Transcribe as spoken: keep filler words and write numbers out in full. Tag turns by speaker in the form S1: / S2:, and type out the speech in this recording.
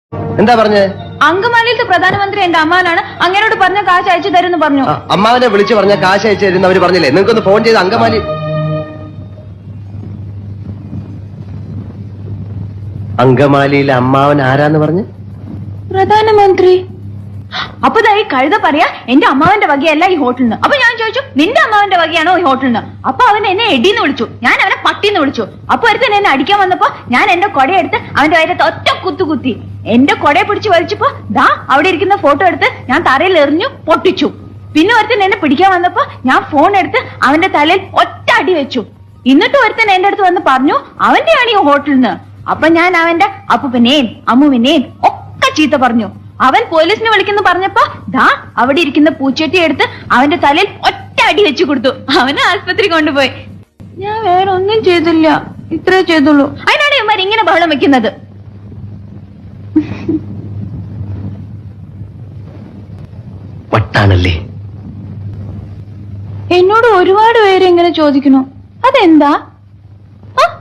S1: എന്താ പറഞ്ഞേ?
S2: അങ്കമാലിയിലത്തെ പ്രധാനമന്ത്രി എന്റെ അമ്മാനാണ്, അങ്ങനോട് പറഞ്ഞ കാശ് അയച്ചു തരുമെന്ന് പറഞ്ഞു.
S1: അമ്മാവനെ വിളിച്ചു പറഞ്ഞ കാശ് അയച്ചു തരുന്ന അവര് പറഞ്ഞില്ലേ? നിങ്ങൾക്കൊന്ന് ഫോൺ ചെയ്ത് അങ്കമാലി. അങ്കമാലിയിലെ അമ്മാവൻ ആരാന്ന് പറഞ്ഞു?
S2: പ്രധാനമന്ത്രി. അപ്പൊ ഈ കഴുത പറയാ എന്റെ അമ്മാവന്റെ വകയല്ല ഈ ഹോട്ടലിന്. അപ്പൊ ഞാൻ ചോദിച്ചു നിന്റെ അമ്മാവന്റെ വകയാണോ ഈ ഹോട്ടലിന്? അപ്പൊ അവൻ എന്നെ എടിന്ന് വിളിച്ചു, ഞാൻ അവനെ പട്ടിന്ന് വിളിച്ചു. അപ്പൊ ഒരുത്തൻ എന്നെ അടിക്കാൻ വന്നപ്പോ ഞാൻ എന്റെ കൊടയെടുത്ത് അവന്റെ വയറ്റത്ത് ഒറ്റ കുത്തു കുത്തി. എന്റെ കൊടയെ പിടിച്ച് വലിച്ചപ്പോ ദാ അവിടെ ഇരിക്കുന്ന ഫോട്ടോ എടുത്ത് ഞാൻ തറയിൽ എറിഞ്ഞു പൊട്ടിച്ചു. പിന്നെ ഒരുത്തൻ എന്നെ പിടിക്കാൻ വന്നപ്പോ ഞാൻ ഫോൺ എടുത്ത് അവന്റെ തലയിൽ ഒറ്റ അടി വെച്ചു. എന്നിട്ട് ഒരുത്തൻ എന്റെ അടുത്ത് വന്ന് പറഞ്ഞു അവന്റെയാണ് ഈ ഹോട്ടലിന്. അപ്പൊ ഞാൻ അവന്റെ അപ്പുവിനെയും അമ്മുവിനെയും ഒക്കെ ചീത്ത പറഞ്ഞു. അവൻ പോലീസിനെ വിളിക്കുന്നു പറഞ്ഞപ്പോ ദാ അവിടെ ഇരിക്കുന്ന പൂച്ചട്ടി എടുത്ത് അവന്റെ തലയിൽ ഒറ്റ അടി വെച്ചു കൊടുത്തു. അവനെ ആശുപത്രി കൊണ്ടുപോയി. ഞാൻ വേറെ ഒന്നും ചെയ്തില്ല, ഇത്രേ ചെയ്തുള്ളൂ. അതിനാണ് ഇവന്മാർ ഇങ്ങനെ ബഹളം വെക്കുന്നത്.
S1: വട്ടാണല്ലേ?
S2: എന്നോട് ഒരുപാട് പേര് ഇങ്ങനെ ചോദിക്കുന്നു, അതെന്താ?